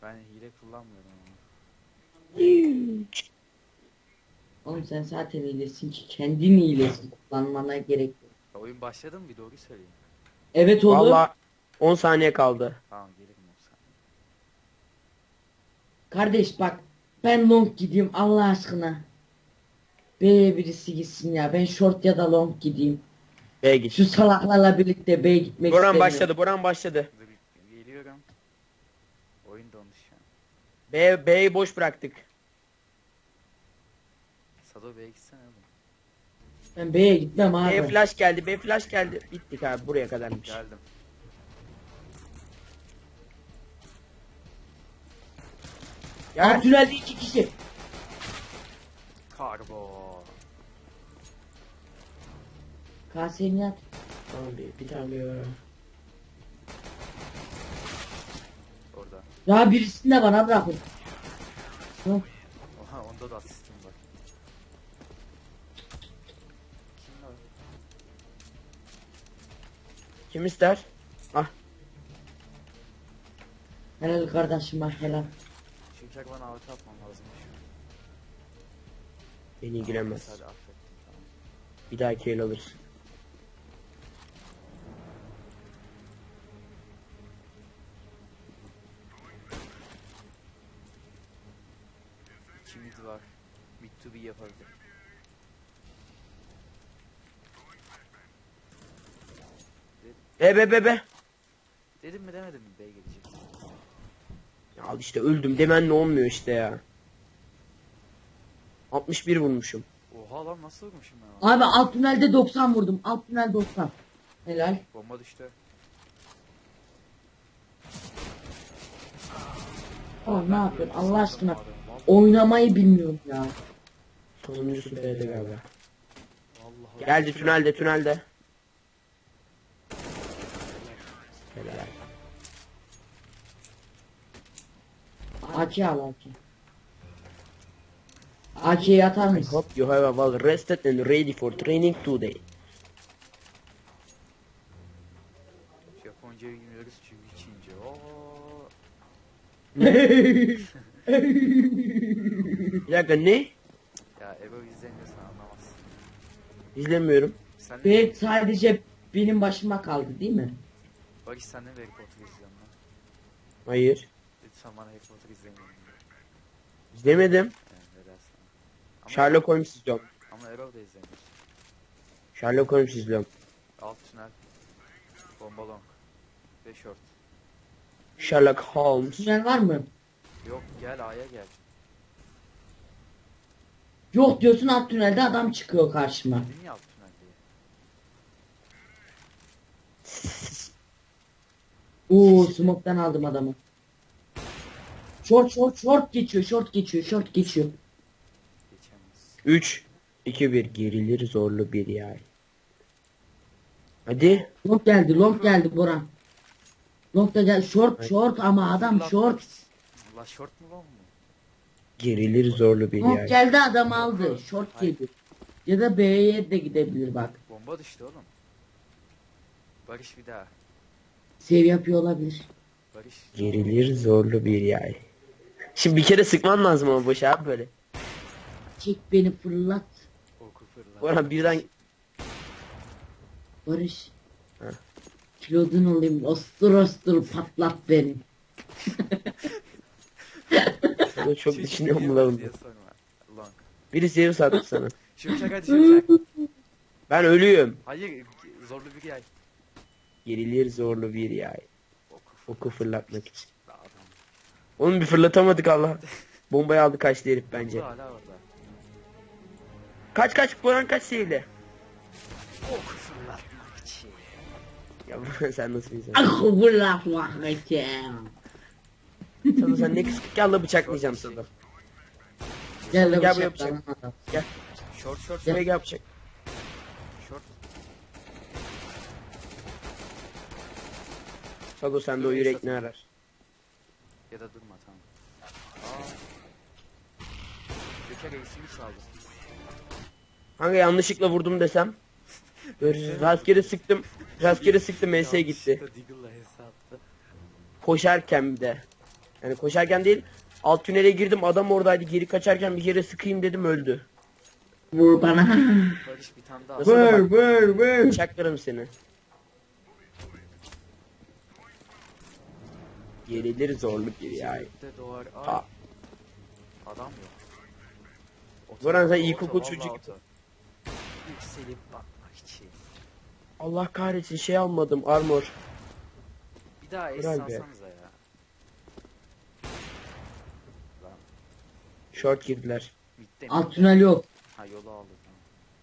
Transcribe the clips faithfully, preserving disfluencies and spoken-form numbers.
Ben hile kullanmıyorum ama. Oğlum sen zaten iyilesin ki kendin iyilesin. Kullanmana gerek yok. Ya oyun başladı mı bir doğru söyleyeyim. Evet oğlum. Vallahi on saniye kaldı. Tamam gelirim yoksa. Kardeş bak ben long gideyim Allah aşkına. B'ye birisi gitsin ya. Ben short ya da long gideyim. B'ye git. Şu salaklarla birlikte B'ye gitmek Boran istemiyorum. başladı. Boran başladı. Dur, geliyorum. Oyun dondu şu an. B B'yi boş bıraktık. Sado B'ye gitsene oğlum. Ben B'ye gitmem abi. B flash geldi. B flash geldi. Bittik abi, buraya kadarmış. Geldim. Ya Gel. tünelde iki kişi. Karbo. Kaseni yat. Tamam, bir, bir tane bir. Orada. Ya birisini de bana bırakın. Hı. Oha onda da asistim var. Kim var? Kim ister? Ah. Helal kardeşim bak helal. Şimşek bana avcı atmam lazım şu an. Beni ilgilenmez. Hadi affettim tamam. Bir dahaki el alırız. İki mid var. Mid to be yapabilir. E be be be. Dedim mi demedim mi B gelecek. Ya al işte, öldüm demen ne olmuyor işte ya. altmış bir vurmuşum. Oha lan nasıl vurmuşum ben ona? Abi alt tünelde doksan vurdum. Alt tünel doksan. Helal. Bomba düştü. Oğlum ne yapıyorsun Allah Sandım aşkına. adamı, vallahi- Oynamayı bilmiyorum ya. Sonuncusu B'de galiba. Vallahi. Geldi tünelde tünelde. Helal. A K al A K. A K'yi atar I mısın? hope you have a well rested and ready for training today. Japonca bilmiyoruz çünkü Çince. Oo. Bir dakika, ne? Ya Ebo izlemiyorsan anlamazsın. İzlemiyorum. Sen ne? Ve sadece benim başıma kaldı değil mi? Barış sen de mi Harry Potter izliyorsun lan? Hayır. Lütfen bana Harry Potter izlemeyin. İzlemedim. Yani ne dersin? Ama, Sherlock Holmes izliyorum. ama Erol da izlemiyor. Sherlock Holmes izliyorum. Alt tünel. Bomba long. Ve short. Sherlock Holmes. Tünel var mı? Yok gel A'ya gel. Yok diyorsun alt tünelde adam çıkıyor karşıma. Dedin ya alt tünel diye. Oo smoke'tan aldım adamı. Short short short geçiyor short geçiyor short geçiyor. Geçemez. üç, iki, bir. Gerilir zorlu bir yay. Hadi. Long geldi long geldi Boran. Long da gel short short ama adam short. La short mu long mu? Gerilir zorlu bir Long yay. geldi adam aldı. Short geldi. Ya da B'ye de gidebilir bak. Bomba düştü oğlum. Barış bir daha. Sev yapıyor olabilir. Barış. Gerilir zorlu bir yay. Şimdi bir kere sıkman lazım ama boş abi böyle. Çek beni fırlat. Oku fırla. Orhan birden Barış. Ha. Kilodun olayım ostur ostur patlat beni. Sana çok Çocuk düşünüyorum yiyor bulalım. diye sorma. Long. Biri zehir sattı sana. Şimşek hadi şimşek. Ben ölüyüm. Hayır zorlu bir yay. Gerilir zorlu bir yay. Oku Oku fırlatmak için. fırla adam. Onu bir fırlatamadık Allah. Bombayı aldı kaçtı herif bence. Bu hala orada. Kaç kaç Boran kaç sevdi. Oku fırlatmak için. Ya sen nasıl bir insan? Ah fırlatmak için. Sana sen ne kısık gel la bıçaklayacağım sana. Gel de Gel buraya bıçaklan adam. Gel. Short short Şuraya short. gel bıçak. Short. Sado sende o yürek ne arar? Ya da durma tamam. Aa. Göker reisimi çaldı. Hangi yanlışlıkla vurdum desem? Böyle rastgele sıktım. Rastgele sıktım M S gitti. Yanlışlıkla Deagle'la hesaptı. Koşarken bir de. Yani koşarken değil. Alt tünele girdim, adam oradaydı, geri kaçarken bir kere sıkayım dedim, öldü. Vur bana. Barış bir tane daha. Nasıl? Vur vur vur. Çaklarım seni. Yerilir zorlu bir yay. De doğar. Ay. Ha. Adam yok. Oto- Boran sen oto- ilkokul vallahi çocuk. oto. Yükselip bakmak için. Allah kahretsin, şey almadım, armor. Bir daha es Helal be. alsanıza ya. Lan Short girdiler. bitti mi? Alt tünel yok. Ha yolu aldı tamam.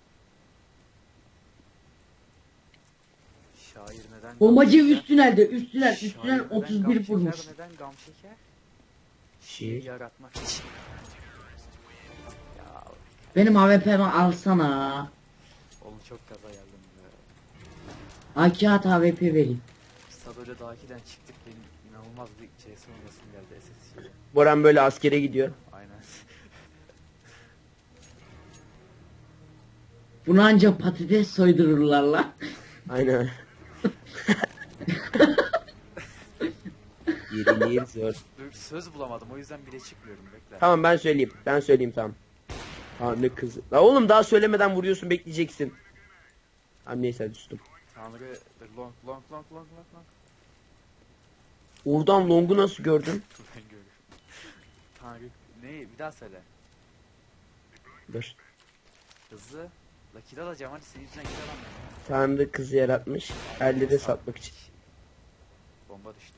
Şair neden Bombacı gam üst tünelde. Üst tünel. şeker? Üst tünel Şair neden otuz gam bir şeker, vurmuş. Neden gam şeker? Şiir. Yaratmak için. Ya Benim A W P'mi alsana. oğlum çok gaza geldim be. A K at A W P vereyim. Sadece Daki'den çıktık benim inanılmaz bir C S oynasım geldi S S C'ye. Boran böyle askere gidiyor. Aynen. Bunu ancak patates soydururlar lan. Aynen. Yerilir zor. Dur, söz bulamadım o yüzden bile çıkmıyorum bekle. Tamam ben söyleyeyim. Ben söyleyeyim tamam. Tanrı kızı. La oğlum daha söylemeden vuruyorsun, bekleyeceksin. Tamam neyse hadi sustum. Tanrı dur, long long long long long long. Oradan longu nasıl gördün? Dur ben görüyorum. Tanrı ne bir daha söyle. Dur. Hızlı. La kill alacağım hadi senin yüzünden kill alamıyorum. Tanrı kızı yaratmış. Ellere satmak için. Bomba düştü.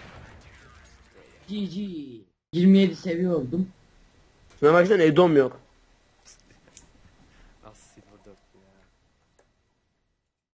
G G. yirmi yedi seviye oldum. Şuna baksana, Edom yok.